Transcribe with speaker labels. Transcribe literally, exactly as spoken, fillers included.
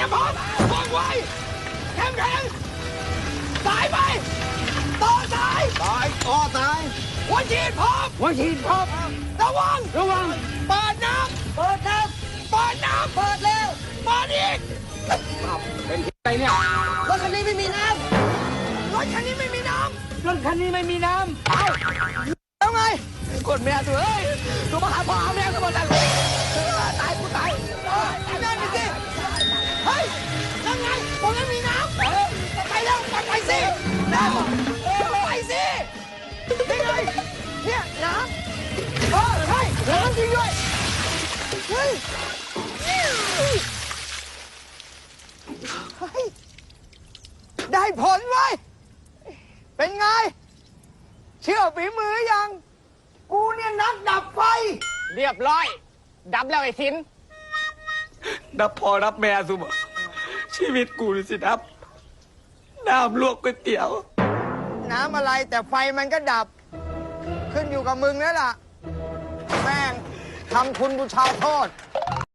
Speaker 1: ยมพร้อมว่องไวแข็งแข็งสายไปต่อสายสายต่อสายหัวฉีดพร้อมหัวฉีดพร้อมระวังระวังเปิดน้ำเปิดน้ำเปิดน้ำเปิดเร็วเปิดอีกเป็นอะไรเนี่ยรถคันนี้ไม่มีน้ำรถคันนี้ไม่มีน้ำรถคันนี้ไม่มีน้ำเอาแล้วไงกดแม่ตัวเอ้ยตัวมาหาพ่อแม่ก็บอกกันตายกูตายตายแม่ไปสิเฮ้ยนั่นไงผมไม่มีน้ำไปแล้วไปสิน้ำไปสินี่ไงเนี่ยน้ำเออใช่น้ำจริงด้วยเฮ้ยเฮ้ยได้ผลไว้เป็นไงเชื่อฝีมือยังกูเนี่ยนักดับไฟเรียบร้อยดับแล้วไอ้ทินดับพอดับแม่สุบชีวิตกูสิดับน้ำลวกก๋วยเตี๋ยวน้ำอะไรแต่ไฟมันก็ดับขึ้นอยู่กับมึงแล้วล่ะแม่งทำคุณกูชาวโทษ